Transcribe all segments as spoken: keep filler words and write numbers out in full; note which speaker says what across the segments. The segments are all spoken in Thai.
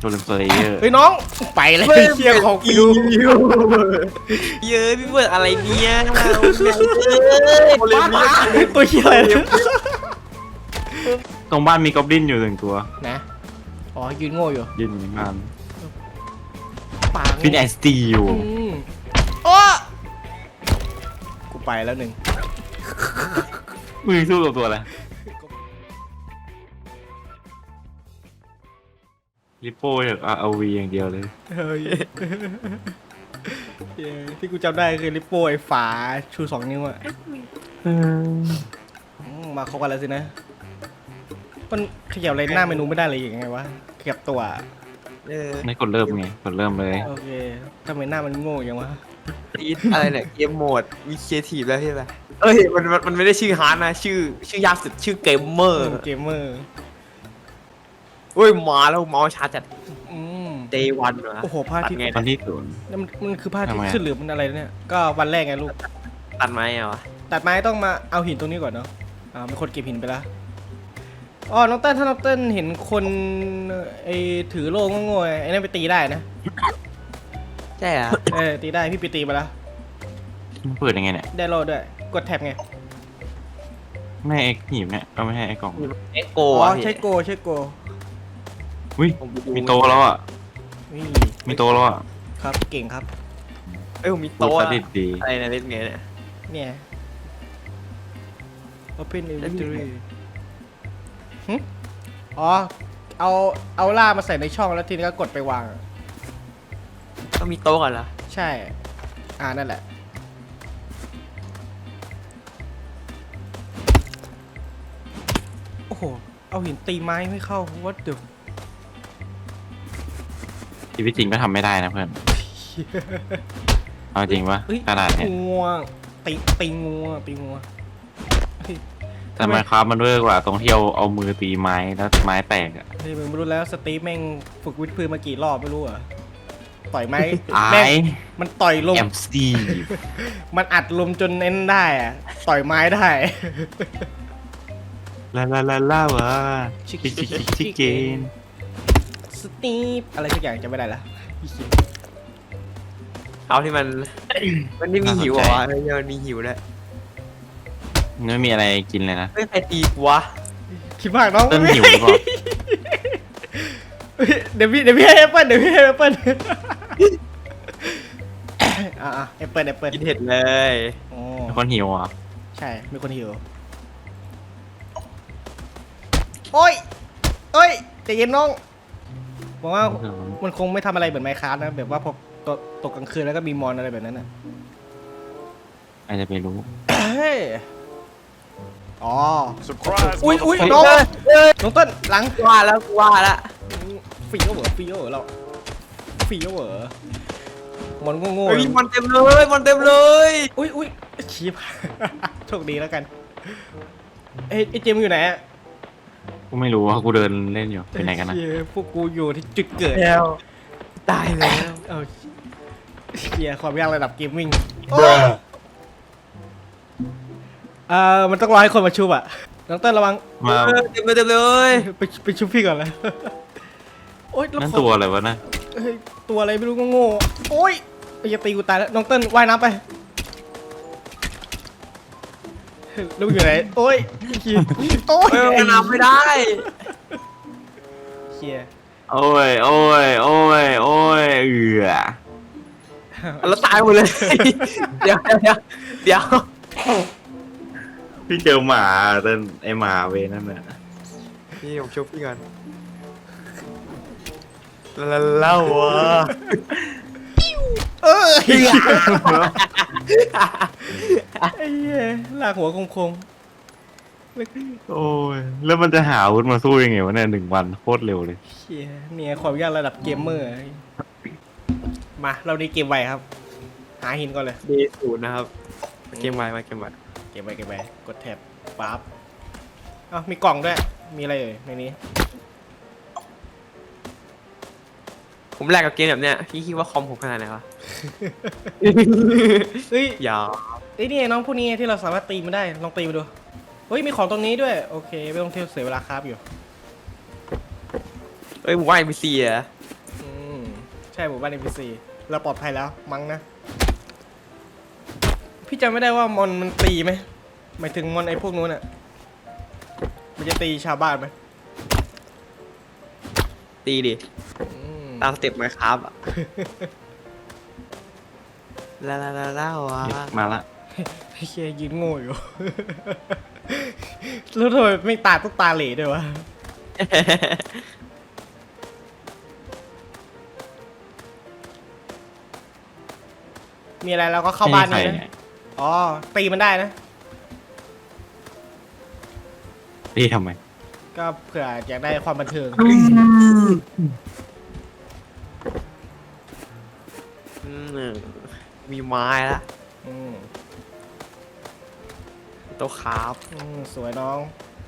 Speaker 1: โดนสเลเยอร์
Speaker 2: เฮ้ยน้องไปแล้วเชียร์ของกู
Speaker 3: เยอะพี่เบิร์ดอะไรเนี่ยเราเ
Speaker 2: ตัวเชียร์อะไรเนี่ย
Speaker 1: ตรงบ้านมีกอบลินอยู่หนึ่งตัว
Speaker 2: นะอ๋อยืนโง่อยู่
Speaker 1: ยืนอยู่ในบ้าน
Speaker 2: ปาง
Speaker 1: ฟินแอนสตีอยู่
Speaker 2: อืมโอ้กูไปแล้วหนึ่ง
Speaker 1: มือสู้กับตัวอะไรลิปโป้จาก อาร์ โอ วี อย่างเดียวเลย
Speaker 2: เฮ้ยเย้ที่กูจำได้คือลิปโป้ไอ้ฝาชูสองนิ้วอะอืมมาเข้ากันแล้วสินะมันขยับอะไรหน้าเมนูไม่ได้เลยยังไงวะขยับตัว
Speaker 3: ออ
Speaker 1: ไม่กดเริ่มไงกดเริ่มเลย
Speaker 2: โอเคทำไมหน้ามันโง่อย่างวะ
Speaker 3: อีทอะไรเนี่ยเกมโหมดมีครีเอทีฟแล้วใช่ไหมเอ้ยมันมันมันไม่ได้ชื่อฮาร์ดนะชื่อชื่อยากสุดชื่อเกมเมอร์
Speaker 2: เกมเมอร์
Speaker 3: เฮ้ยมาแล้วเมาส์ชาร์จจัด
Speaker 2: อืม
Speaker 3: day one วะ
Speaker 2: โอ้โหพระอาทิตย์
Speaker 3: ตัดไง
Speaker 1: ตอนที่ศูนย์
Speaker 2: นั่นมันมันคือพระอาทิต
Speaker 1: ทำไม
Speaker 2: ย์
Speaker 1: อะ
Speaker 2: ขึ้นหรือมันอะไรเนี่ยก็วันแรกไงลูก
Speaker 3: ตัดไม้อะวะ
Speaker 2: ตัดไม้ต้องมาเอาหินตรงนี้ก่อนเนาะอ่ามีคนเก็บหินไปแล้วอ๋อน้องเต้นถ้าน้องเต้นเห็นคนไอ้ถือโล่งโง่ๆไอ้นั่นไปตีได้นะ
Speaker 3: ใช่อะ
Speaker 2: เออตีได้พี่ไปตีมาแล้ว
Speaker 1: มันเปิดยังไงเนี่ย
Speaker 2: ได้โล่ด้วยกดแท็บไง
Speaker 1: ไม่ไอ้หีบเนี่ยก็ไม่ให้ไอ้กล่อง
Speaker 3: เอ็กโก
Speaker 2: อ๋อ
Speaker 3: อะ
Speaker 2: ใช่โกใช่โก
Speaker 1: อุ้ยมีโตะแล้วอ่ะ
Speaker 2: นี่
Speaker 1: มีโตะแล้วอ่ะ
Speaker 2: ครับเก่งครับ
Speaker 3: เอ้ยผมมี
Speaker 1: ตัว
Speaker 3: โต๊ะ
Speaker 1: ส
Speaker 3: อะ
Speaker 1: ดิดดี
Speaker 3: อะไรนะเล่นไงเนี่ย
Speaker 2: เนี่ย Open
Speaker 3: แล้วมี
Speaker 2: Inventory หึอ๋อเอาเอาล่ามาใส่ในช่องแล้วทีนี้ก็กดไปวาง
Speaker 3: ต้องมีโต๊ะก่อนเหรอ
Speaker 2: ใช่ อ่านั่นแหละ โอ้โห เอาหินตีไม้ไม่เข้า what the
Speaker 1: ชีวิตจริงก็ทำไม่ได้นะเพื่อนเอาจริงปะ
Speaker 2: เอ้ย
Speaker 1: ขนาดเนี้ย
Speaker 2: งัวตีตีงัวตีงัวเฮ้ย
Speaker 1: แต่ไมครับมันเวอร์กว่าตรงที่เอาเอามือตีไม้แล้วไม้แตกอ่ะ
Speaker 2: เฮ้ยมึงไม่รู้แล้วสตีฟแม่งฝึกวิทย์พื้นมากี่รอบไม่รู้เหรอ่ะต่อยไม้
Speaker 1: ไอ้
Speaker 2: แม่งมันต่อยลม
Speaker 1: แอมสตี
Speaker 2: มันอัดลมจนเน้นได้อะต่อยไม้ได้
Speaker 1: ลาลาลาลาวะ
Speaker 2: ชิค
Speaker 1: ชิชิชิชิเกน
Speaker 2: สตีฟอะไรสักอย่างจะไม่ได้ละ
Speaker 3: เอาที่มัน มันไม่มีหิวเหรอวะเฮ้ยมันมีหิวแล้ว
Speaker 1: ไม่มีอะไรกินเลยนะ
Speaker 3: เฮ้ยใครตีกูวะ
Speaker 2: คิดมากน้อง
Speaker 1: เต้นหิวหรือเปล่า
Speaker 2: เดี๋ยวพี่เดี๋ยวพี่ให้แอปเปิ้ลเดี๋ยวพี่ให้แอปเปิ้ลอ่าแอปเปิ้ลแอปเปิ้ล
Speaker 3: กินเห็ดเลย
Speaker 2: โอ้
Speaker 1: เป็นคนหิวเหรอ่ะ
Speaker 2: ใช่มีคนหิวโอ้ยเอ้ยใจเย็นน้องบอกว่ามันคงไม่ทำอะไรเหมือนไมค์คราฟนะแบบว่าพอตกตกกลางคืนแล้วก็มีมอนอะไรแบบนั้นน่ะ
Speaker 1: อาจจะไปรู้
Speaker 2: เฮ้ยอ๋อ
Speaker 4: Surprise!
Speaker 2: อุ้ยอุ้ย
Speaker 4: motherfucker.
Speaker 2: น้อง
Speaker 3: เฮ้ย
Speaker 2: น้องต้นหลัง
Speaker 3: ว่าแล้วกูว่าแล้ว
Speaker 2: ฟรีโอเวอร์ฟรีโอเวอร์เราฟรีโอเวอร์มันโง่ๆ
Speaker 3: เฮ้ยมันเต็มเลยมันเต็มเลย
Speaker 2: อุ้ยอุ้ยชีพ โชคดีแล้วกันเอ้ยไอ้เจมส์อยู่ไหนอะ
Speaker 1: กูไม่รู้ว่ากูเดินเล่นอยู่ไปไหนกันนะ
Speaker 2: เชี่ยพวกกูอยู่ที่จุดเกิด
Speaker 3: แล้วตายแล้ว
Speaker 2: เอาเชียร์ความยากระดับเกมมิ่งเอ่อมันต้องรอให้คนมาชุบอะน้องเต้นระวัง
Speaker 1: มา
Speaker 3: เออเต็มเลยเต็มเลย
Speaker 2: ไปไปชุบพี่ก่อนเลยโอ๊ยแล้
Speaker 1: นั่น
Speaker 2: ขอ
Speaker 1: ตัวอะไรวะนะ
Speaker 2: เฮ้ยตัวอะไรไม่รู้โง่ๆโอ๊ยไอ้ยาตีกูตายแล้วน้องเต้นว่ายน้ำไปแล้วมึงอยู่ไหนโอ๊ยเหี้ยโอ๊ย
Speaker 3: เออมันนำไม่ได้
Speaker 2: เชียร์
Speaker 1: โอ้ยโอ้ยโอ้ยโอ้ยเอือ
Speaker 3: แล้วตายหมดเลย เดี๋ยวเดี๋ยวเดี๋ยว
Speaker 1: พี่เจอหมาเต้นไอหมาเวนั่นน่ะ
Speaker 3: นี่ผมชุบพี่ก่อนแล้วเล่าวะ
Speaker 2: เออไอ้เหี้ยไอ้เหี้ยลากหัวคงๆแล้ว
Speaker 1: โอ้ยแล้วมันจะหาอาวุธมาสู้ยังไงวะเนี่ยหนึ่งวันโคตรเร็วเลย
Speaker 2: เชียเนี่ยความยากระดับเกมเมอร์มาเราดีเกมไวครับ หาหินก่อนเลย
Speaker 3: เดศูนย์นะครับเกมไวมาเกมไว
Speaker 2: เก็บไว้เก็บไว้กดแท็บปั๊บเอ้ามีกล่องด้วย มีอะไรเอ่ยในนี้
Speaker 3: ผมแลกกับเกมแบบเนี้ยพี่คิดว่าคอมผมขนาดไหนวะ
Speaker 2: เฮ้ย
Speaker 3: อย่า
Speaker 2: ไอ้ยนี่ไงน้องพวกนี้ที่เราสามารถตีมันได้ ลองตีมาดู เฮ้ย มีของตรงนี้ด้วย โอเค ไม่ต้องเที่ยวเสียเวลาครับอยู่
Speaker 3: เอ้ยผมว่าเอ็มบีซีอะ
Speaker 2: ใช่หมู่บ้าน เอ็น พี ซี เราปลอดภัยแล้วมั้งนะพี่จำไม่ได้ว่ามอนมันตีไหมหมายถึงมอนไอ้พวกนู้นอ่ะมันจะตีชาวบ้านไหม
Speaker 3: ตีดิ
Speaker 2: อืม
Speaker 3: ตามสเต็ปไหมครับอะลาลาลาลา วะ
Speaker 1: มาละ
Speaker 2: ไอ้เชี่ยยืนโง่อยู่ แล้วทำไมไม่ตาต้องตาเหล่ด้วยวะ มีอะไรเราก็เข้าบ้าน
Speaker 1: ไม่
Speaker 2: นี่
Speaker 1: มีใคร
Speaker 2: นะ อ๋อ ตีมันได้นะ
Speaker 1: ตีทำไม
Speaker 2: ก็เผื่ออยากได้ความบันเทิง
Speaker 3: อืมมีไม้ละ
Speaker 2: อืม
Speaker 3: โต๊ะครับ
Speaker 2: อืมสวยน้อง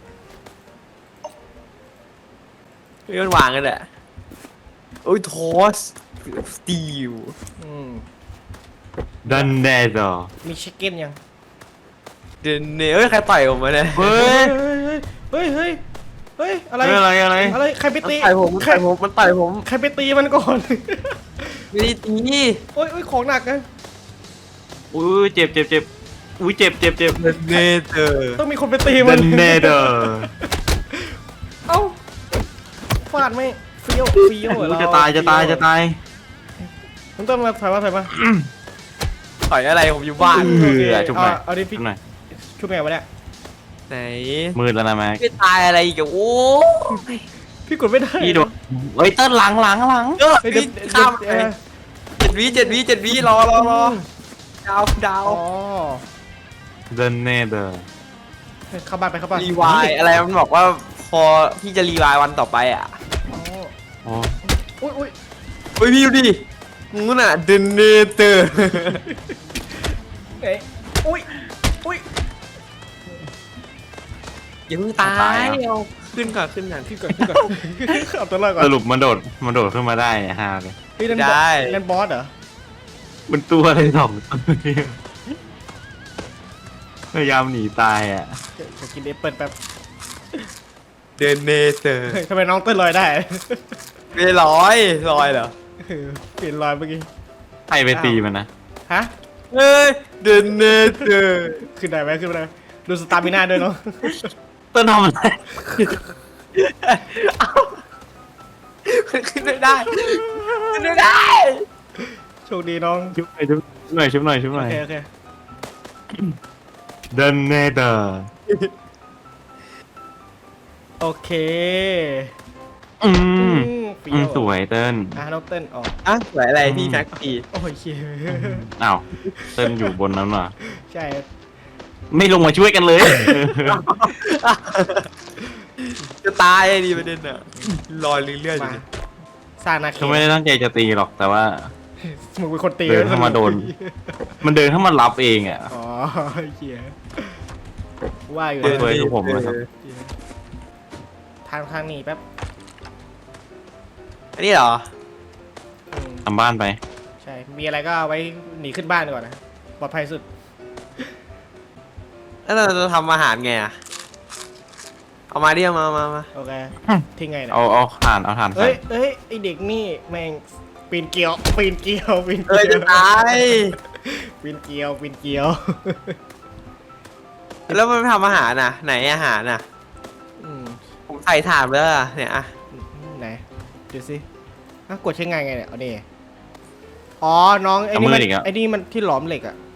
Speaker 3: เฮ้ยมันวางกันแหละโอ้ยทอสสตีล
Speaker 2: อืม
Speaker 1: ดันแดดอ
Speaker 2: มีชิคเก้นยัง
Speaker 3: เดนเนเอ้ยใครต่อยผมมาเนี่ย
Speaker 1: เฮ้
Speaker 2: เฮ้
Speaker 1: ย
Speaker 2: ย เฮ้ย เฮ้ย เฮ้ย เฮ้ย อะไร
Speaker 1: เฮ้ยอะไรอะไร
Speaker 2: อะไร ใครไป
Speaker 3: มัน
Speaker 2: ตี
Speaker 3: ต่อยผมมัน
Speaker 2: ใคร
Speaker 3: ต่อยผมมันต่อยผม
Speaker 2: ใครไปตีมันก่อน
Speaker 3: ไม่ได้ตี
Speaker 2: โอ้ยโอ้ยของหนักนะ
Speaker 1: อุ้ยเจ็บเจ็บเจ็บอุ้ยเจ็บเจ็บเจ็บ
Speaker 3: เดนเนเธอ
Speaker 2: ต้องมีคนไปตีมั
Speaker 1: ดั
Speaker 2: น
Speaker 1: นแดดอ
Speaker 2: เอ้าฟาดไม่เฟี้ยวเฟี้ยวเหรอเรา
Speaker 1: จะตายจะตายจะตาย
Speaker 2: มันต้องมาถอยมาถอยมา
Speaker 3: ต่อยอะไรผมอยู่บ้าน
Speaker 1: เออจุ๊บหน่อย
Speaker 2: เอาเอาดิพี่
Speaker 1: จุ๊บหน่อย
Speaker 2: ชุบไงวะเนี่ย
Speaker 3: ไหน
Speaker 1: มืดแล้วนะแม็ก
Speaker 3: ไม่ตายอะไรอีกอะโอ้ย
Speaker 2: พี่กดไม่ได้
Speaker 1: พี่โดนเฮ้ยเต้นหลังหลังหลัง
Speaker 3: เออ
Speaker 2: เฮ้ยเดี๋ยว
Speaker 3: ข้าม
Speaker 2: เดี๋ยวเออ
Speaker 3: เจ็ดวิเจ็ดวิเจ็ดวิรอรอรอดาวดาว
Speaker 2: อ๋อ
Speaker 1: ดันแดดอ
Speaker 2: เข้าบ้านไปเข้าบ้าน
Speaker 3: รีวายอะไรมันบอกว่าพอที่จะรีวายวันต่อไปอ่ะ
Speaker 2: อ๋อ
Speaker 1: โอ้
Speaker 2: อุ้ยอุ้ย
Speaker 3: เฮ้ยพี่ดูดิงูน่ะเดนเนเตอร์
Speaker 2: ไหนอุ้ยอุ้ย
Speaker 3: อย่าเพิ่งตายเอาขึ้นก่อนขึ้นก่อน
Speaker 2: ขึ้นก่อนขึ้นก่อนเอาตัวรอดก่อน
Speaker 1: สรุปมันโดดมันโดดขึ้นมาได้ฮาเลย
Speaker 2: เฮ้ยนั่นบอสนั่นบอสเหรอ
Speaker 1: มันตัวอะไรสองตัวเนี่ยพยายามหนีตายอ่ะ
Speaker 2: จะกินเอปเปิลแป๊บ
Speaker 3: เดนเนเตอร์
Speaker 2: เฮ้ยทำไมน้องเต้นลอยได้
Speaker 3: ไม่ร้อยลอยเหรอ
Speaker 2: เออเปลี่ยนลอยเมื่อกี้
Speaker 1: ใครไปตีมันนะ
Speaker 2: ฮะ
Speaker 3: เฮ้ยเดนเนเตอร์
Speaker 2: ขึ้นได้ไหมขึ้นได้ไหมดูสตาร์มิน่าด้วยเนาะ
Speaker 1: เต้นทำอะไร
Speaker 3: ขึ้นไม่ได้ขึ้นไม่ได้
Speaker 2: โชคดีน้อง
Speaker 1: ชุบหน่อยชุบหน่อยชุบหน่อยชุบห
Speaker 2: โอ
Speaker 1: น่อย
Speaker 2: เคโอเค
Speaker 1: ดันเนเดอร์
Speaker 2: โอเค
Speaker 1: อืม
Speaker 2: เฟี้
Speaker 1: อื
Speaker 2: ย
Speaker 1: ม
Speaker 2: ว
Speaker 1: สวยเติ้ล
Speaker 2: อ่ะน้องเต้นออก
Speaker 3: อ่ะสวยอะไรพี่แม็กซี่
Speaker 2: โอ้ยเชี่ย
Speaker 1: อ้าวเติ้ลอยู่บนนั้นว่ะ
Speaker 2: ใช่
Speaker 1: ไม่ลงมาช่วยกันเลย
Speaker 3: จะตายดีประเด็นอ่ะลอยเรื่อยๆอยู่
Speaker 2: มา
Speaker 3: ดิ
Speaker 2: สร้างนาเข
Speaker 1: ก็ไม่ได้ตั้งใจจะตีหรอกแต่ว่า
Speaker 2: มึงเป็นคนตี
Speaker 1: เดินเข้ามาโดน มันเดินเข้ามารับเองอ่ะ
Speaker 2: อ๋อเหี้ยว่าอยู่
Speaker 1: เดิน
Speaker 2: นะ
Speaker 1: ไปทุกผมเลยครับ
Speaker 2: ทางทางหนี้แป๊บ
Speaker 3: อันนี้เหรอ
Speaker 2: อืม
Speaker 1: ทำบ้านไป
Speaker 2: ใช่ มีอะไรก็เอาไว้หนีขึ้นบ้านก่อนนะ ปลอดภัยสุด
Speaker 3: แล้วเราจะทำอาหารไงอ่ะเอามาดิเอามามามา
Speaker 2: โอเค ทิ้งไงเนี่ย
Speaker 1: เอาเอาถ่านเอาถ่านใส่
Speaker 2: เอ้ยเอ้ย ไอเด็กนี่แม่งปีนเกลียว ปีนเกลียว ปีน
Speaker 3: เอ้ย
Speaker 2: เกลี
Speaker 3: จะ
Speaker 2: ยว
Speaker 3: ตาย
Speaker 2: ปีนเกลียว ปีนเกลียว
Speaker 3: แล้วมันไม่ทำอาหารน่ะ ไหนอาหารน่ะ
Speaker 2: อืม
Speaker 3: ผมใส่ถ่านแล้วอะเนี่ยอ่ะ
Speaker 2: ไหน ดูสิอ่ะกดใช้งานไงเนี่ย เอาดิอ๋อ น้อง ไอ้นี่มันไอ้นี่มันที่หลอมเหล็กอ่ะ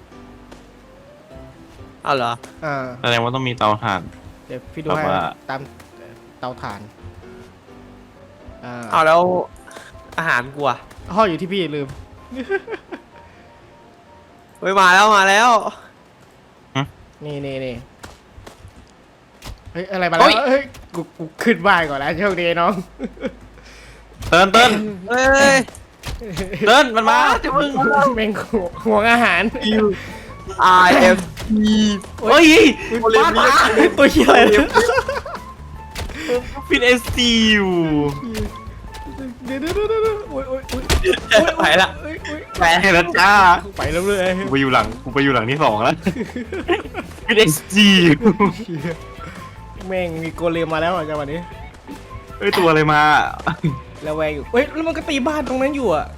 Speaker 3: เอาเหรอ
Speaker 2: อ่า
Speaker 1: แสดงว่าต้องมีเตาถ่าน
Speaker 2: เดี๋ยวพี่ดู
Speaker 1: แบบ
Speaker 2: ให้
Speaker 1: ว่า
Speaker 2: ตามเตาถ่าน อ่า
Speaker 3: เอาแล้วอาหารกูอะ
Speaker 2: ห้ออยู่ที่พี่ลืม
Speaker 3: เฮ้ยมาแล้วมาแล้ว
Speaker 2: นี่นี่นี่เฮ้ย อะไรมาแล้ว เฮ้ย กูกูขึ้นบ้านก่อนแล้วโชคดีน้อง
Speaker 1: เติ้ลเติ้ล
Speaker 3: เฮ้ย
Speaker 1: เติ้ลมันมาจะมึง
Speaker 2: แม่งห่วงห่วงอาหาร
Speaker 3: I M P
Speaker 1: เฮ้ย
Speaker 3: โอลิมปิก
Speaker 2: เฮ้ยตัวเหี้ยอะไรเนี่ย
Speaker 1: ฟินเอสซีอยู่
Speaker 2: เดี๋ยวเดี๋ยวเดี๋ยวเดี๋ยวโอ้ยโอ้ยโอ้ย
Speaker 3: ไปละ
Speaker 2: โอ้ยโอ้ย
Speaker 3: แหม
Speaker 1: แค่นั้นจ้า
Speaker 2: ไปแล้วเลย
Speaker 1: กูไปอยู่หลังกูไปอยู่หลังที่สองแล้วฟินเอสซี
Speaker 2: แม่งมีโกเลมมาแล้วอ่ะจังหวะนี้
Speaker 1: เฮ้ยตัวอะไรมา
Speaker 2: แล้วแวงอยู่เฮ้ยแล้วมันก็ตีบ้านตรงนั้นอยู่อ่ะ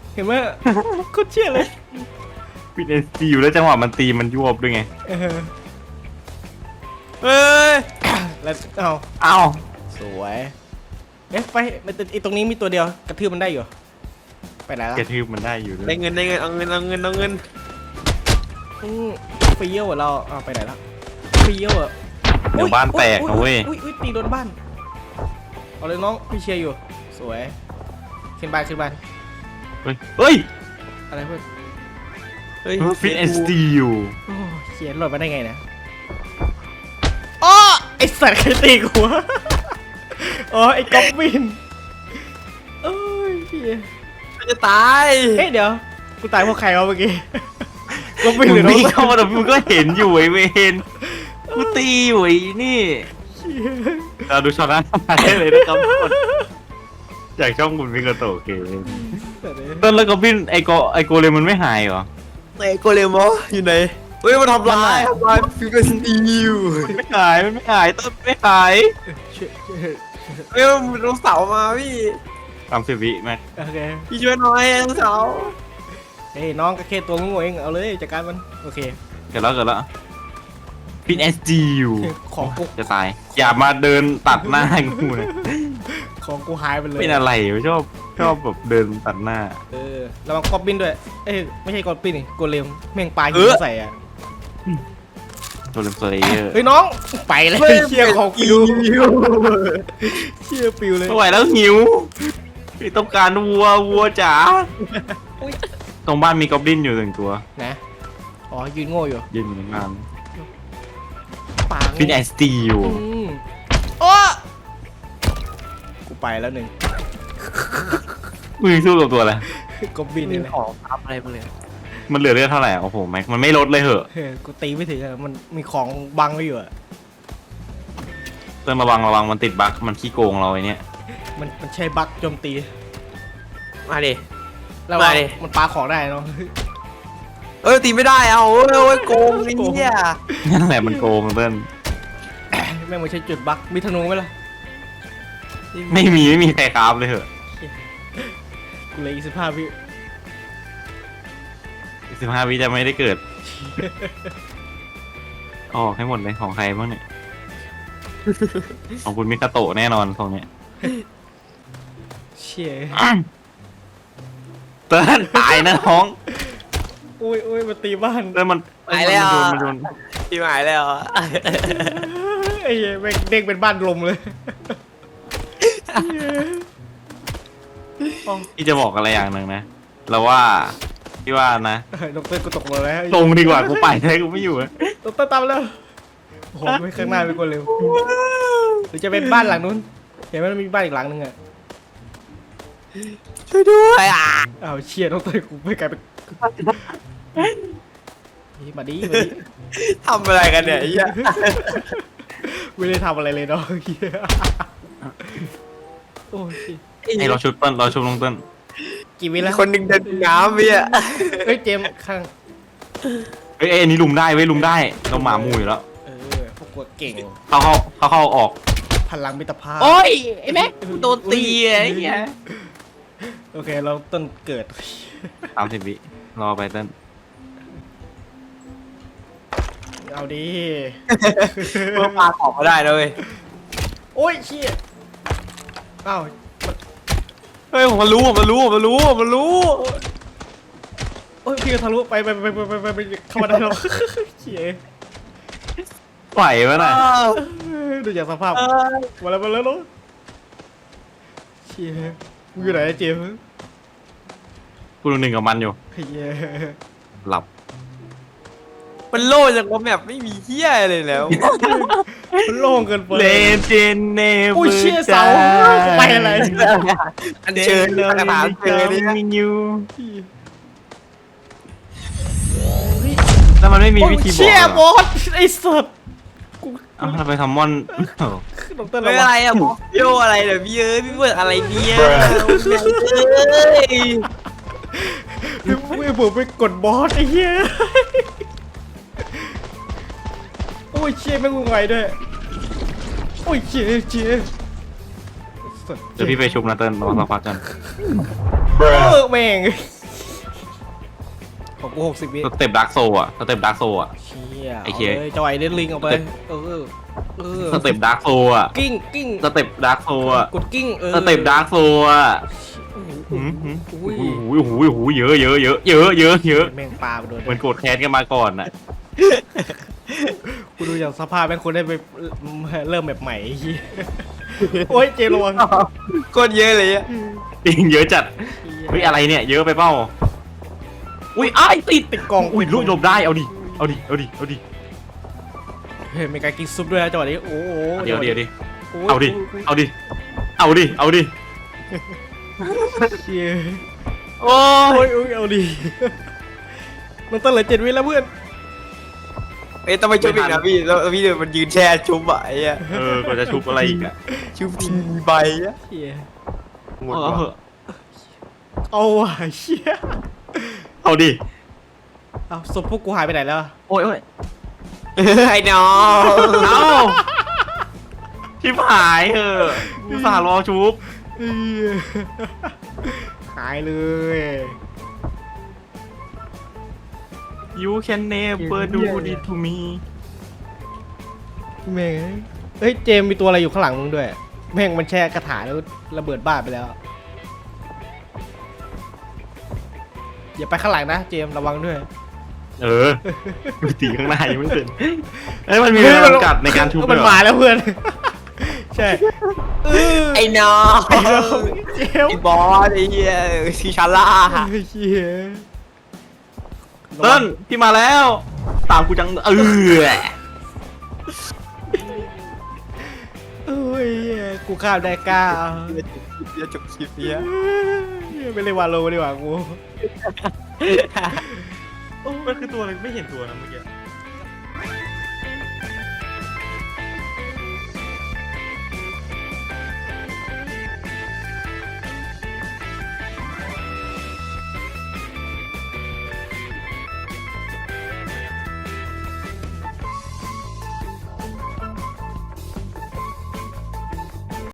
Speaker 2: เห็นไหมโคตรเชี่ยเลย
Speaker 1: ฟินเอสจีอยู่แล้วจังหวะมันตีมันยวบด้วยไง
Speaker 2: เออ
Speaker 3: เฮ้ย
Speaker 2: แล้วเอา
Speaker 1: เอ้า
Speaker 2: สวยเอ๊ะไปมันไอตรงนี้มีตัวเดียวกระทืบมันได้อยู่ไปไหนละ
Speaker 1: กระทืบมันได้อยู่ด้ว
Speaker 3: ได้
Speaker 1: ย
Speaker 3: เงินได้เงินเอาเงินเอาเงินเอาเงิน
Speaker 2: อืมเฟี้ยวอะเราเอาไปไหนละเฟี้ยวอะ
Speaker 1: เดี๋ยวบ้านแตกนะเว้ย
Speaker 2: อุ้ยอุ้ยตีโดนบ้านเอาเลยน้องพี่เชียร์อยู่สวยขึ้นบ้านขึ้นบ้าน
Speaker 1: เฮ้ยเฮ้ย
Speaker 2: อะไรเพื่อน
Speaker 3: เฮ้ย
Speaker 1: ฟินเอสจีอยู่
Speaker 2: โอ้เขียนหล่นมาได้ไงเนี่ยอ๋อไอสัตว์ใครตีกูวะอ๋อไอ้ก๊อบบินเอ้ยเหี้ย
Speaker 3: มันจะตาย
Speaker 2: เฮ้ยเดี๋ยวกูตายเพราะใครวะเมื่อกี้ก๊อบบินห
Speaker 1: มึ
Speaker 2: รื
Speaker 1: ง
Speaker 2: อน้อง
Speaker 1: วิ่งเข้ามาแต่มึงก็เห็นอยู่ไอ้เวนกูตีอยู่ไอ้นี่เราดูช็อตนั้นได้เลยนะครับทุกคนจากช่องบุญมิกาโตะเกมต้นแล้วก็บินไอโกไอโกเลมมันไม่หายเหรอ
Speaker 3: ไอ้โกเลมออยู่ไหนเฮ้ยมันทำลายทำลายฟิวเจอร์สตีล
Speaker 1: มันไม่หายมันไม่หายต้นไม่หาย
Speaker 2: ช่วย
Speaker 3: เฮ้ยมันลงเสามาพี่
Speaker 1: สามสิบวิแม็ก
Speaker 2: โอเค
Speaker 3: พี่ช่วยหน่อยลงเสา
Speaker 2: เฮ้ยน้องก็แค่ตัวงูเองเอาเลยจัดการมันโอเค
Speaker 1: เกิดแล้วเกิดแล้วฟินเอสจีอยู่
Speaker 2: ของกู
Speaker 1: จะตายอย่ามาเดินตัดหน้ากูนะ
Speaker 2: ของกูหายไปเลย
Speaker 1: เป็นอะไรวะชอบชอบแบบเดินตัดหน้า
Speaker 2: เออระวังกอบบินด้วยเอ้ยไม่ใช่กอบบินนี่โกเลมแม่งปลาหินใส่อะ
Speaker 1: ตัวเลมสเลเยอร์
Speaker 2: เฮ้ยน้องไปเลยเชี่ยของปิวเชี่ยปิวเลย
Speaker 1: ไม่ไหวแล้วหิวต้องการวัววัวจ๋าตรงบ้านมีกอบลินอยู่หนึ่งตัว
Speaker 2: นะอ๋อยืนโง่อยู่
Speaker 1: ยืนอยู่ในบ้าน
Speaker 2: ปาง
Speaker 1: ฟินเอสจีอยู่
Speaker 2: อืมโอ้กูไปแล้วหนึ่ง
Speaker 1: มึงสู้กับตัวอะไร
Speaker 2: กอบบิน
Speaker 3: มี
Speaker 2: นี่แหละ
Speaker 3: ของทับอะไรมาเลย
Speaker 1: มันเหลือเลือดเท่าไหร่อะโอ้โหแม็กมันไม่ลดเลยเหอะ
Speaker 2: เฮ้ยกูตีไม่ถึงอะมันมีของบังไว้อยู่อะ
Speaker 1: เตือนระวังระวังมันติดบั๊กมันขี้โกงเราไอ้เนี่ย
Speaker 2: มันมันใช้บั๊กโจมตี
Speaker 3: มาดิ
Speaker 2: แล้วว่า
Speaker 3: มาดิ
Speaker 2: มันปาของได้เนาะ
Speaker 3: เอ้ยตีไม่ได้เอาเอ้ยเอ้ยโกงไอ้เนี่ย
Speaker 1: นั่นแหละมันโกงเพื่อน
Speaker 2: แม่งไม่ใช่จุดบั๊กมีธนูไหมล่ะ
Speaker 1: ไม่มีไม่มีใครคราฟเลยเหอะ
Speaker 2: กูเหลยอีกสิบห้าวิ
Speaker 1: สิบห้าวิจะไม่ได้เกิดออกให้หมดเลยของใครบ้างเนี่ยของคุณมิคาโตะแน่นอนตรงเนี้ย
Speaker 2: เชี่ย
Speaker 1: เตือนตายนะน้อง
Speaker 2: อุ้ยอุ้ยมาตีบ้าน
Speaker 1: เตือนมัน
Speaker 3: หายแล้ว
Speaker 1: มันโดนมันโดน
Speaker 3: พี่หายแล้วอะ
Speaker 2: ไอ้เหี้ยแม่งเด้งเป็นบ้านลมเลย
Speaker 1: ที่จะบอกอะไรอย่างหนึ่งนะเราว่าที่ว่านะ
Speaker 2: ดอกเตอร์กูตกมาแล้ว
Speaker 1: ลงดีกว่ากูไปได้กูไม่อยู่แล้ว
Speaker 2: ดอกเตอร์ตามแล้วโอ้โหไม่ข้างหน้าเป็นคนเร็วหรือจะเป็นบ้านหลังนู้นเห็นไหมมันมีบ้านอีกหลังนึงอะ
Speaker 3: ช่วยด้วยอ่ะ
Speaker 2: อ้าวเชี่ยดอกเตอร์กูไม่กลายเป็นนี่มาดิมาดิ
Speaker 3: ทำอะไรกันเนี่ยไอ้เหี้ย
Speaker 2: ไม่ได้ทำอะไรเลยเนาะเหี้ยโอ้ย
Speaker 1: ไอเราชุดเติ้ลเราชุดลงเติ้ล
Speaker 2: กี่วิ
Speaker 3: มี
Speaker 2: แล้ว
Speaker 3: คนหนึ่งเดินน้ำพี่อ่ะ
Speaker 2: เฮ้ยเจมส์ข้าง
Speaker 1: เฮ้ยไอ้อันนี้ลุมได้เว้ยลุมได้เราหมาหมูอยู่แล้ว
Speaker 2: เออพวกกูเก่ง
Speaker 1: เข้าเข้าเข้าเข้าออก
Speaker 2: พลังมิตรภาพ
Speaker 1: โอ้ยไอ้แม็กโดนตีไอ้เงี้ย
Speaker 2: โอเคเราต้นเกิด
Speaker 1: สามสิบวิรอไปเติ้ล
Speaker 2: เอาดิ
Speaker 3: เพื่อปาของมาได้นะเลย
Speaker 2: โอ้ยเชี่ยอ้าว
Speaker 3: เฮ้ยผมมันรู้ผมมันรู้ผมมันรู้ผมมันรู้
Speaker 2: โอ้ยพี่ก็ทะลุไปไปไปไปไปไปไปเข้ามาได้หรอเชี่ย
Speaker 1: ไหวไหมน่ะ
Speaker 2: ดูจากสภาพ
Speaker 3: เออ
Speaker 2: มาแล้วมาแล้วเนาะเชี่ยมึงอยู่ไหนเจมส์
Speaker 1: กูดูหนึ่งกับมันอยู่
Speaker 2: เฮีย
Speaker 1: หลับ
Speaker 3: มันโล่จากว่าแมปไม่มีเหี้ยเลยแล้ว
Speaker 2: มันโล่งเกินไป
Speaker 1: เลเจนเนเวอร์
Speaker 2: อุ้ยเชี่ยเสาไปอะไร
Speaker 3: อันเชิญกระถางเชิญนี่
Speaker 1: มินิวแล้วมันไม่มี
Speaker 2: โอ้ย
Speaker 1: วิธีบอก
Speaker 2: เชี่ย
Speaker 1: เหร
Speaker 2: บ
Speaker 1: อ
Speaker 2: อสไอ้สัตว์
Speaker 1: อ้าวเราไปทำมอนเอ้า
Speaker 2: ดอกเตอร์
Speaker 3: ไม่
Speaker 2: ระ
Speaker 3: อะ
Speaker 2: วั
Speaker 3: ไรง อะบอกโยอะไรเดี๋ยวพี่เอ้ยพี่เบิร์ดอะไรเนี่ยเอ้ย
Speaker 2: ไม่ผมไปกดบอสไอ้เหี้ยโอ้ยเชี่ยแม่งงงไงด้วยโอ้ยเชี่ยเชี่ย
Speaker 1: เดี๋ยวพี่ไปชุบนะเติ้ลรอสักพักกัน
Speaker 2: เออแม่งของกูหกสิบวิ
Speaker 1: สเต็ปดาร์กโซอ่ะสเต็ปดาร์กโซอ่ะ
Speaker 2: เชี่ย
Speaker 1: ไอ้
Speaker 2: เอา
Speaker 1: เหี้ย
Speaker 2: เลยเจ้าไอเดนลิงเอาไปเออเออ
Speaker 1: สเต็ปดาร์กโซอ่ะ
Speaker 2: กิ้งกิ้ง
Speaker 1: สเต็ปดาร์กโซอ่ะ
Speaker 2: กดกิ้งเออ
Speaker 1: สเต็ปดาร์กโซอ่ะ
Speaker 2: อุ้ย
Speaker 1: โอ้โหโอ้โหโอ้โหเยอะเยอะเยอะเยอะเยอะเยอะ
Speaker 2: แม่งปลาไปโดน
Speaker 1: เหมือนโกรธแค้นกันมาก่อนอ่ะ
Speaker 2: กูดูอย่างสภาพแม่งคนได้ไปเริ่มแบบใหม่ไอ้เหี้ยโอ้ยเจมส์ระวัง
Speaker 3: โคตรเยอะเลยอะ
Speaker 1: จริงเยอะจัดเฮ้ยอะไรเนี่ยเยอะไปเปล่าอุ้ยอ้ายติด
Speaker 2: ติดกล่อง
Speaker 1: อุ้ยลุกหลบได้เอาดิเอาดิเอาดิเอาดิ
Speaker 2: เฮ้ยมีการกินซุปด้วยนะจังหวะนี้โอ้โห
Speaker 1: เดี๋ยวเดี๋ยวดิ
Speaker 2: โย
Speaker 1: เอาดิเอาดิเอาดิเอาดิ
Speaker 2: เชี่ย
Speaker 1: โอ้
Speaker 2: โอ้
Speaker 1: ย
Speaker 2: ยโอ้ยเอาดิมันต้องเหลือเจ็ดวิแล้วเพื่อน
Speaker 3: เอ้ยต้องไปชุบอีกนะพี่แล้วพี่เดินมันยืนแช่ชุบอะไอ้อะ
Speaker 1: เออกว่าจะชุบอะไรอีกอ่ะ
Speaker 3: ชุบทีใบอะ
Speaker 2: เชี่ย
Speaker 3: หมด
Speaker 1: เอา
Speaker 3: ว่ะ
Speaker 1: เหอะ
Speaker 2: เอาว่ะเชี่ย
Speaker 1: เอาดิ
Speaker 2: เอาศพพวกกูหายไปไหนแล้ว
Speaker 1: โอ้ยโอ้ย
Speaker 3: ไอ้น้อง
Speaker 1: เอาชิบหายเอออุตส่าห์รอชุบ
Speaker 2: เหี้ยหายเลย
Speaker 1: You can never do this to me
Speaker 2: แม่งเฮ้ยเจมส์มีตัวอะไรอยู่ข้างหลังมึงด้วยแม่งมันแช่กระถาแล้วระเบิดบ้านไปแล้วอย่าไปข้างหลังนะเจมส์ระวังด้วย
Speaker 1: เออตีข้างหน้ายังไม่เป็นเอ้ยมันมีเวลาจำกัดในการชุบ
Speaker 2: มัน
Speaker 1: ด้วยเหรอ
Speaker 2: มาแล้วเพื่อน ใช่เออ
Speaker 3: ไอ้น้อง
Speaker 2: เจม
Speaker 3: ไอ้
Speaker 2: ส์
Speaker 3: บอสไอ้เหี้ยชิชาร่า
Speaker 2: เฮ้ยเหี้ย
Speaker 1: เติ้ลพี่มาแล้ว ตามกูจังเออ
Speaker 2: เอ้ยเหี้ยกูข้ามได้เก้า
Speaker 3: เดี๋ยวจบคลิปเนี้ย
Speaker 2: ไม่เลยวาโลดีกว่ากู
Speaker 1: มันคือตัวอะไรไม่เห็นตัวนะเมื่อกี้